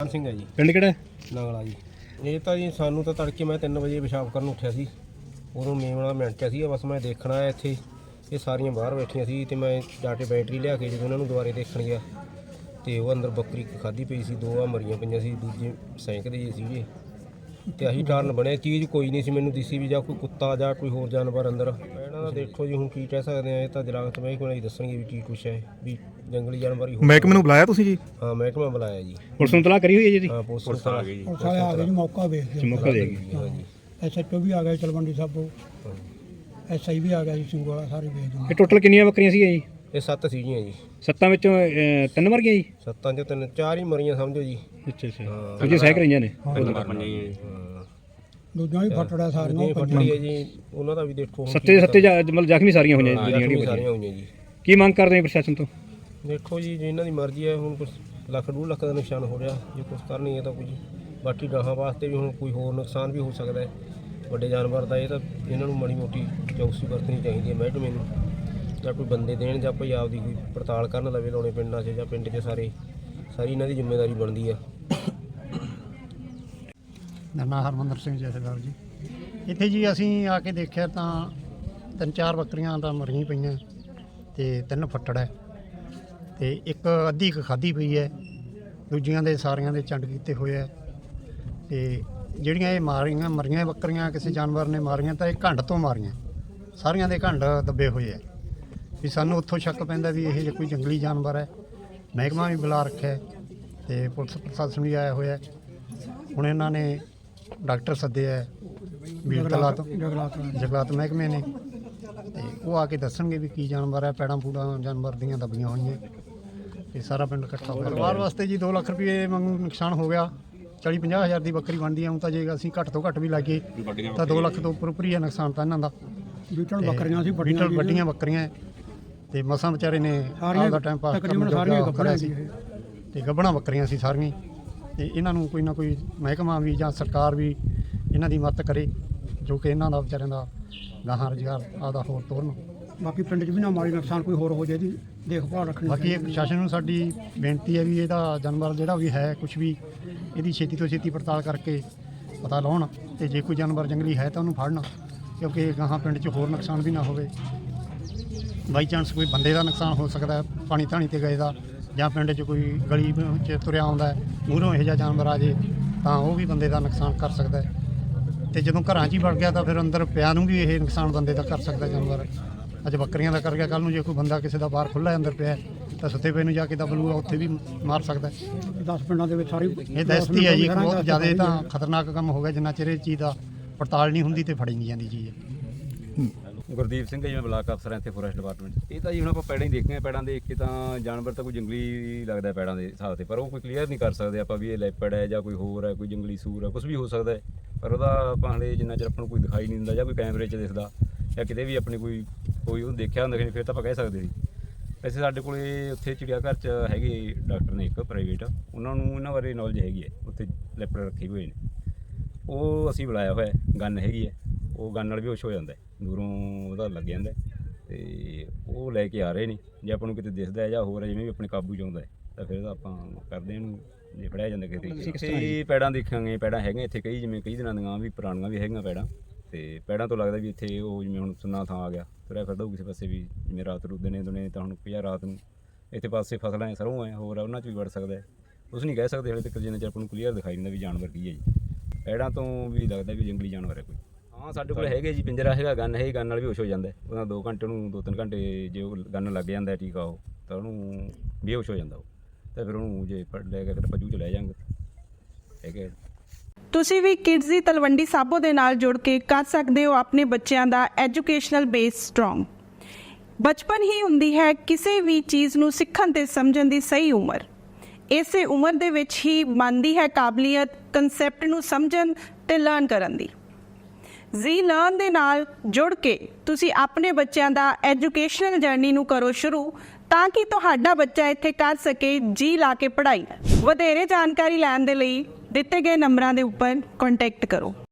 ਸਿੰਘ ਹੈ ਜੀ। ਪਿੰਡ ਕਿਹੜਾ? ਨਗਲਾ ਜੀ। ਇਹ ਤਾਂ ਜੀ ਸਾਨੂੰ ਤਾਂ ਤੜਕੇ ਮੈਂ 3 ਵਜੇ ਪਿਸ਼ਾਬ ਕਰਨ ਉੱਠਿਆ ਸੀ, ਉਦੋਂ ਮੇਮਣਾ ਮਿੰਟਿਆ ਸੀ, ਬਸ ਮੈਂ ਦੇਖਣਾ ਆਇਆ ਇੱਥੇ ਇਹ ਸਾਰੀਆਂ ਬਾਹਰ ਬੈਠੀਆਂ ਸੀ ਤੇ ਮੈਂ ਜਾ ਕੇ ਬੈਟਰੀ ਲਿਆ ਕੇ ਜਦੋਂ ਉਹਨਾਂ ਨੂੰ ਦੁਬਾਰੇ ਦੇਖਣ ਗਿਆ ਤੇ ਉਹ ਅੰਦਰ ਬੱਕਰੀ ਖਾਧੀ ਪਈ ਸੀ, 2 ਮਰੀਆਂ ਪਈਆਂ ਸੀ, ਦੂਜੇ ਸੈਂਕਦੇ ਜੀ ਸੀਗੇ ਤੇ ਆਹੀ ਕਾਰਨ ਬਣਿਆ। ਚੀਜ਼ ਕੋਈ ਨਹੀਂ ਸੀ ਮੈਨੂੰ ਦਿਸੀ ਵੀ ਜਾਂ ਕੋਈ ਕੁੱਤਾ ਜਾਂ ਕੋਈ ਹੋਰ ਜਾਨਵਰ ਅੰਦਰ। ਇਹਨਾਂ ਦਾ ਦੇਖੋ ਜੀ ਹੁਣ ਕੀ ਕਹਿ ਸਕਦੇ ਆ, ਇਹ ਤਾਂ ਜਲਾਗਤ ਮਹਿਕਮੇ ਹੀ ਦੱਸਣਗੇ ਵੀ ਕੀ ਕੁਛ ਹੈ, ਵੀ ਜੰਗਲੀ ਜਾਨਵਰ ਹੀ। ਮਹਿਕਮੇ ਨੂੰ ਬੁਲਾਇਆ ਤੁਸੀਂ ਜੀ? ਹਾਂ ਮਹਿਕਮਾ ਬੁਲਾਇਆ ਜੀ। ਪੁਲਿਸ ਨੂੰ ਤਲਾਹ ਕਰੀ ਹੋਈ ਹੈ ਜੀ? ਹਾਂ ਪੁਲਿਸ ਆ ਗਈ ਜੀ। ਪੁਲਿਸ ਵਾਲੇ ਆ ਗਏ ਜੀ, ਮੌਕਾ ਵੇਖ ਕੇ ਮੌਕਾ ਦੇ ਗਈ। SHO ਵੀ ਆ ਗਿਆ ਤਲਵੰਡੀ ਸਾਬੋ, SI ਵੀ ਆ ਗਿਆ ਜੀ ਸਿੰਘਵਾਲਾ, ਸਾਰੇ ਵੇਖ ਗਏ। ਇਹ ਟੋਟਲ ਕਿੰਨੀਆਂ ਬੱਕਰੀਆਂ ਸੀਗੀਆਂ ਜੀ? ਇਹ 7 ਸੀਗੀਆਂ ਜੀ। 7 ਵਿੱਚੋਂ 3 ਮਰ ਗਈਆਂ ਜੀ? 7 'ਚੋਂ 3 4 ਹੀ ਮਰੀਆਂ ਸਮਝੋ ਜੀ। ਅੱਛਾ ਅੱਛਾ। ਦੂਜੇ ਸਹਿਕ ਰਹੀਆਂ ਨੇ? ਦੂਜਾ ਵੀ ਫਟੜਾ ਸਾਰੀਆਂ ਫਟੜੀ ਹੈ ਜੀ, ਉਹਨਾਂ ਦਾ ਵੀ ਦੇਖੋ। ਸੱਤੇ ਮਤਲਬ ਜ਼ਖਮੀ ਸਾਰੀਆਂ ਹੋਈਆਂ ਜਿਹੜੀਆਂ ਸਾਰੀਆਂ ਹੋਈਆਂ ਜੀ। ਕੀ ਮੰਗ ਕਰਦੇ ਆ ਪ੍ਰਸ਼ਾਸਨ ਤੋਂ? ਦੇਖੋ ਜੀ ਇਹਨਾਂ ਦੀ ਮਰਜ਼ੀ ਹੈ, ਹੁਣ ਕੁਛ ਲੱਖ 2 ਲੱਖ ਦਾ ਨੁਕਸਾਨ ਹੋ ਰਿਹਾ, ਜੇ ਕੁਛ ਕਰਨਗੇ ਤਾਂ ਕੁਝ ਬਾਕੀ ਗਾਹਾਂ ਵਾਸਤੇ ਵੀ ਹੁਣ ਕੋਈ ਹੋਰ ਨੁਕਸਾਨ ਵੀ ਹੋ ਸਕਦਾ ਹੈ ਵੱਡੇ ਜਾਨਵਰ ਦਾ। ਇਹ ਤਾਂ ਇਹਨਾਂ ਨੂੰ ਮਾੜੀ ਮੋਟੀ ਚੌਕਸੀ ਵਰਤਣੀ ਚਾਹੀਦੀ ਹੈ ਮਹਿਕਮੇ ਨੂੰ, ਜਾਂ ਕੋਈ ਬੰਦੇ ਦੇਣ ਜਾਂ ਕੋਈ ਆਪਦੀ ਕੋਈ ਪੜਤਾਲ ਕਰਨ ਲਵੇ ਲਾਉਣੇ ਪਿੰਡਾਂ 'ਚ ਜਾਂ ਪਿੰਡ 'ਚ ਸਾਰੀ ਇਹਨਾਂ ਦੀ ਜ਼ਿੰਮੇਵਾਰੀ ਬਣਦੀ ਆ। ਮੇਰਾ ਨਾਂ ਹਰਮੰਦਰ ਸਿੰਘ ਜਥੇਦਾਰ ਜੀ। ਇੱਥੇ ਜੀ ਅਸੀਂ ਆ ਕੇ ਦੇਖਿਆ ਤਾਂ 3-4 ਬੱਕਰੀਆਂ ਤਾਂ ਮਰੀਆਂ ਪਈਆਂ ਤੇ 3 ਫੱਟੜ ਹੈ ਤੇ ਇੱਕ ਅੱਧੀ ਕੁ ਖਾਧੀ ਪਈ ਹੈ, ਦੂਜੀਆਂ ਦੇ ਸਾਰੀਆਂ ਦੇ ਚੰਡ ਕੀਤੇ ਹੋਏ ਹੈ। ਤੇ ਜਿਹੜੀਆਂ ਇਹ ਮਰੀਆਂ ਬੱਕਰੀਆਂ ਕਿਸੇ ਜਾਨਵਰ ਨੇ ਮਾਰੀਆਂ ਤਾਂ ਇਹ ਘੰਡ ਤੋਂ ਮਾਰੀਆਂ, ਸਾਰੀਆਂ ਦੇ ਘੰਡ ਦੱਬੇ ਹੋਏ ਹੈ। ਵੀ ਸਾਨੂੰ ਉੱਥੋਂ ਸ਼ੱਕ ਪੈਂਦਾ ਵੀ ਇਹ ਜੇ ਕੋਈ ਜੰਗਲੀ ਜਾਨਵਰ ਹੈ। ਮਹਿਕਮਾ ਵੀ ਬੁਲਾ ਰੱਖਿਆ ਤੇ ਪੁਲਿਸ ਪ੍ਰਸ਼ਾਸਨ ਵੀ ਆਇਆ ਹੋਇਆ। ਹੁਣ ਇਹਨਾਂ ਨੇ ਡਾਕਟਰ ਸੱਦੇ ਹੈ ਬੀੜਤਲਾ ਤੋਂ, ਜੰਗਲਾਤ ਮਹਿਕਮੇ ਨੇ, ਤੇ ਉਹ ਆ ਕੇ ਦੱਸਣਗੇ ਵੀ ਕੀ ਜਾਨਵਰ ਹੈ। ਪੈੜਾਂ ਪੂੜਾਂ ਜਾਨਵਰ ਦੀਆਂ ਦੱਬੀਆਂ ਹੋਈਆਂ ਤੇ ਸਾਰਾ ਪਿੰਡ ਇਕੱਠਾ ਹੋ ਗਿਆ। ਪਰਿਵਾਰ ਵਾਸਤੇ ਜੀ 2 ਲੱਖ ਰੁਪਏ ਵਾਂਗੂ ਨੁਕਸਾਨ ਹੋ ਗਿਆ। 40-50 ਹਜ਼ਾਰ ਦੀ ਬੱਕਰੀ ਬਣਦੀ ਆ, ਹੁਣ ਤਾਂ ਜੇ ਅਸੀਂ ਘੱਟ ਤੋਂ ਘੱਟ ਵੀ ਲਾਈਏ ਤਾਂ 2 ਲੱਖ ਤੋਂ ਉੱਪਰ ਹੀ ਹੈ ਨੁਕਸਾਨ ਤਾਂ ਇਹਨਾਂ ਦਾ। ਬੀਟਲ ਬੱਕਰੀਆਂ ਸੀ, ਵੱਡੀਆਂ ਬੱਕਰੀਆਂ ਤੇ ਮਸਾਂ ਵਿਚਾਰੇ ਨੇ ਆਪਦਾ ਟਾਈਮ ਪਾਸ ਕਰਨ ਸੀ ਤੇ ਗੱਭਣਾ ਬੱਕਰੀਆਂ ਸੀ ਸਾਰੀਆਂ। ਤੇ ਇਹਨਾਂ ਨੂੰ ਕੋਈ ਨਾ ਕੋਈ ਮਹਿਕਮਾ ਵੀ ਜਾਂ ਸਰਕਾਰ ਵੀ ਇਹਨਾਂ ਦੀ ਮਦਦ ਕਰੇ, ਜੋ ਕਿ ਇਹਨਾਂ ਦਾ ਵਿਚਾਰਿਆਂ ਦਾ ਗਾਹਾਂ ਰੁਜ਼ਗਾਰ ਆਪਦਾ ਹੋਰ ਤੋਰਨ। ਬਾਕੀ ਪਿੰਡ 'ਚ ਵੀ ਨਾ ਮਾੜੀ ਨੁਕਸਾਨ ਕੋਈ ਹੋਰ ਹੋ ਜਾਏ ਦੀ ਦੇਖਭਾਲ ਰੱਖਣੀ। ਬਾਕੀ ਇਹ ਪ੍ਰਸ਼ਾਸਨ ਨੂੰ ਸਾਡੀ ਬੇਨਤੀ ਹੈ ਵੀ ਇਹਦਾ ਜਾਨਵਰ ਜਿਹੜਾ ਵੀ ਹੈ ਕੁਝ ਵੀ ਇਹਦੀ ਛੇਤੀ ਤੋਂ ਛੇਤੀ ਪੜਤਾਲ ਕਰਕੇ ਪਤਾ ਲਾਉਣ, ਤੇ ਜੇ ਕੋਈ ਜਾਨਵਰ ਜੰਗਲੀ ਹੈ ਤਾਂ ਉਹਨੂੰ ਫੜਨ, ਕਿਉਂਕਿ ਗਾਹਾਂ ਪਿੰਡ 'ਚ ਹੋਰ ਨੁਕਸਾਨ ਵੀ ਨਾ ਹੋਵੇ। ਬਾਈ ਚਾਂਸ ਕੋਈ ਬੰਦੇ ਦਾ ਨੁਕਸਾਨ ਹੋ ਸਕਦਾ ਪਾਣੀ ਧਾਣੀ 'ਤੇ ਗਏ ਦਾ, ਜਾਂ ਪਿੰਡ 'ਚ ਕੋਈ ਗਲੀ 'ਚ ਤੁਰਿਆ ਆਉਂਦਾ ਮੂਹਰੋਂ ਇਹੋ ਜਿਹਾ ਜਾਨਵਰ ਆ ਜੇ ਤਾਂ ਉਹ ਵੀ ਬੰਦੇ ਦਾ ਨੁਕਸਾਨ ਕਰ ਸਕਦਾ। ਤੇ ਜਦੋਂ ਘਰਾਂ 'ਚ ਹੀ ਵੜ ਗਿਆ ਤਾਂ ਫਿਰ ਅੰਦਰ ਪਿਆ ਨੂੰ ਵੀ ਇਹ ਨੁਕਸਾਨ ਬੰਦੇ ਦਾ ਕਰ ਸਕਦਾ ਜਾਨਵਰ। ਅੱਜ ਬੱਕਰੀਆਂ ਦਾ ਕਰ ਗਿਆ, ਕੱਲ੍ਹ ਨੂੰ ਜੇ ਕੋਈ ਬੰਦਾ ਕਿਸੇ ਦਾ ਬਾਹਰ ਖੁੱਲ੍ਹਾ ਅੰਦਰ ਪਿਆ ਤਾਂ ਸੁੱਤੇ ਪਏ ਨੂੰ ਜਾ ਕੇ ਦਬਲੂਗਾ, ਉੱਥੇ ਵੀ ਮਾਰ ਸਕਦਾ। 10 ਪਿੰਡਾਂ ਦੇ ਵਿੱਚ ਸਾਰੀ ਇਹ ਦਸਤੀ ਹੈ ਜੀ। ਬਹੁਤ ਜ਼ਿਆਦਾ ਤਾਂ ਖਤਰਨਾਕ ਕੰਮ ਹੋ ਗਿਆ, ਜਿੰਨਾ ਚਿਰ ਇਹ ਚੀਜ਼ ਦਾ ਪੜਤਾਲ ਨਹੀਂ ਹੁੰਦੀ ਤੇ ਫੜੀ ਨਹੀਂ ਜਾਂਦੀ ਚੀਜ਼। ਗੁਰਦੀਪ ਸਿੰਘ ਜੀ, ਮੈਂ ਬਲਾਕ ਅਫਸਰ ਹਾਂ ਇੱਥੇ ਫੋਰੈਸਟ ਡਿਪਾਰਟਮੈਂਟ। ਇਹ ਤਾਂ ਜੀ ਹੁਣ ਆਪਾਂ ਪੈੜਾਂ ਹੀ ਦੇਖੀਆਂ, ਪੈੜਾਂ ਦੇਖ ਕੇ ਤਾਂ ਜਾਨਵਰ ਤਾਂ ਕੋਈ ਜੰਗਲੀ ਲੱਗਦਾ ਪੈੜਾਂ ਦੇ ਹਿਸਾਬ 'ਤੇ, ਪਰ ਉਹ ਕੋਈ ਕਲੀਅਰ ਨਹੀਂ ਕਰ ਸਕਦੇ ਆਪਾਂ ਵੀ ਇਹ ਲੈਪੜ ਹੈ ਜਾਂ ਕੋਈ ਹੋਰ ਹੈ, ਕੋਈ ਜੰਗਲੀ ਸੂਰ ਹੈ, ਕੁਝ ਵੀ ਹੋ ਸਕਦਾ ਹੈ। ਪਰ ਉਹਦਾ ਆਪਾਂ ਹਲੇ ਜਿੰਨਾ ਚਿਰ ਆਪਾਂ ਨੂੰ ਕੋਈ ਦਿਖਾਈ ਨਹੀਂ ਦਿੰਦਾ ਜਾਂ ਕੋਈ ਕੈਮਰੇ 'ਚ ਦਿਖਦਾ ਜਾਂ ਕਿਤੇ ਵੀ ਆਪਣੀ ਕੋਈ ਉਹਨੂੰ ਦੇਖਿਆ ਹੁੰਦਾ ਫਿਰ ਤਾਂ ਆਪਾਂ ਕਹਿ ਸਕਦੇ ਸੀ। ਵੈਸੇ ਸਾਡੇ ਕੋਲ ਉੱਥੇ ਚਿੜੀਆ ਘਰ 'ਚ ਹੈਗੇ ਡਾਕਟਰ ਨੇ ਇੱਕ ਪ੍ਰਾਈਵੇਟ, ਉਹਨਾਂ ਨੂੰ ਇਹਨਾਂ ਬਾਰੇ ਨੌਲੇਜ ਹੈਗੀ ਹੈ, ਉੱਥੇ ਲੈਪੜ ਰੱਖੇ ਹੋਏ ਨੇ, ਉਹ ਅਸੀਂ ਬੁਲਾਇਆ ਹੋਇਆ। ਗਨ ਹੈਗੀ ਹੈ, ਉਹ ਗਨ ਨਾਲ ਵੀ ਹੋਸ਼ ਹੋ ਜਾਂਦਾ, ਦੂਰੋਂ ਉਹਦਾ ਲੱਗ ਜਾਂਦਾ ਤੇ ਉਹ ਲੈ ਕੇ ਆ ਰਹੇ ਨੇ। ਜੇ ਆਪਾਂ ਨੂੰ ਕਿਤੇ ਦਿਖਦਾ ਜਾਂ ਹੋਰ ਜਿਵੇਂ ਵੀ ਆਪਣੇ ਕਾਬੂ 'ਚ ਆਉਂਦਾ ਤਾਂ ਫਿਰ ਆਪਾਂ ਕਰਦੇ ਇਹਨੂੰ, ਜੇ ਫੜਿਆ ਜਾਂਦਾ ਕਿਤੇ। ਪੈੜਾਂ ਦੇਖਾਂਗੇ, ਪੈੜਾਂ ਹੈਗੀਆਂ ਇੱਥੇ ਕਈ, ਜਿਵੇਂ ਕਈ ਦਿਨਾਂ ਦੀਆਂ ਵੀ ਪੁਰਾਣੀਆਂ ਵੀ ਹੈਗੀਆਂ ਪੈੜਾਂ, ਤੇ ਪੈੜਾਂ ਤੋਂ ਲੱਗਦਾ ਵੀ ਇੱਥੇ ਉਹ ਜਿਵੇਂ ਹੁਣ ਸੁੰਨਾ ਥਾਂ ਆ ਗਿਆ, ਤੁਰਿਆ ਫਿਰਦਾ ਕਿਸੇ ਪਾਸੇ ਵੀ, ਜਿਵੇਂ ਰਾਤ ਨੂੰ ਦਿਨੇ ਦੁਨੇ ਤਾਂ ਹੁਣ ਪਿਆ ਰਾਤ ਨੂੰ ਇੱਥੇ ਪਾਸੇ ਫਸਲਾਂ ਹੈ, ਸਰੋਂ ਹੈ, ਹੋਰ ਉਹਨਾਂ 'ਚ ਵੀ ਵੜ ਸਕਦਾ। ਕੁਛ ਨਹੀਂ ਕਹਿ ਸਕਦੇ ਹਲੇ ਤੱਕ, ਜਿੰਨਾ ਚਿਰ ਆਪਾਂ ਨੂੰ ਕਲੀਅਰ ਦਿਖਾਈ ਦਿੰਦਾ ਵੀ ਜਾਨਵਰ ਕੀ ਹੈ ਜੀ। ਪੈੜਾਂ ਤੋਂ ਵੀ ਲੱਗਦਾ ਵੀ ਜੰਗਲੀ ਜਾਨਵਰ ਹੈ ਕੋਈ। ਹਾਂ ਸਾਡੇ ਕੋਲ ਹੈਗੇ ਜੀ, ਪਿੰਜਰਾ ਹੈਗਾ, ਗਨ ਹੈ, ਗਨ ਨਾਲ ਵੀ ਹੋਸ਼ ਹੋ ਜਾਂਦਾ। ਉਹਦਾ 2 ਘੰਟੇ ਨੂੰ 2-3 ਘੰਟੇ ਜੇ ਉਹ ਗਨ ਲੱਗ ਜਾਂਦਾ ਟੀਕਾ ਉਹ ਤਾਂ ਉਹਨੂੰ ਬੇਹੋਸ਼ ਹੋ ਜਾਂਦਾ ਉਹ, ਤਾਂ ਫਿਰ ਉਹਨੂੰ ਜੇ ਫੜ ਲੈ ਕੇ ਫਿਰ ਆਪਾਂ ਜੂ 'ਚ ਲੈ ਜਾਂਗੇ। ਹੈਗੇ ਤੁਸੀਂ ਵੀ ਕਿਡਜ਼ ਦੀ ਤਲਵੰਡੀ ਸਾਬੋ ਦੇ ਨਾਲ ਜੁੜ ਕੇ ਕਰ ਸਕਦੇ ਹੋ ਆਪਣੇ ਬੱਚਿਆਂ ਦਾ ਐਜੂਕੇਸ਼ਨਲ ਬੇਸ ਸਟਰੋਂਗ। ਬਚਪਨ ਹੀ ਹੁੰਦੀ ਹੈ ਕਿਸੇ ਵੀ ਚੀਜ਼ ਨੂੰ ਸਿੱਖਣ ਤੇ ਸਮਝਣ ਦੀ ਸਹੀ ਉਮਰ। ਇਸੇ ਉਮਰ ਦੇ ਵਿੱਚ ਹੀ ਬਣਦੀ ਹੈ ਕਾਬਲੀਅਤ ਕਨਸੈਪਟ ਨੂੰ ਸਮਝਣ ਤੇ ਲਰਨ ਕਰਨ ਦੀ। ਜ਼ੀ ਲਰਨ ਦੇ ਨਾਲ ਜੁੜ ਕੇ ਤੁਸੀਂ ਆਪਣੇ ਬੱਚਿਆਂ ਦਾ ਐਜੂਕੇਸ਼ਨਲ ਜਰਨੀ ਨੂੰ ਕਰੋ ਸ਼ੁਰੂ, ਤਾਂ ਕਿ ਤੁਹਾਡਾ ਬੱਚਾ ਇੱਥੇ ਕਰ ਸਕੇ ਜੀ ਲਾ ਕੇ ਪੜ੍ਹਾਈ। ਵਧੇਰੇ ਜਾਣਕਾਰੀ ਲੈਣ ਦੇ ਲਈ ਦਿੱਤੇ ਗਏ ਨੰਬਰਾਂ ਦੇ ਉੱਪਰ ਕੰਟੈਕਟ ਕਰੋ।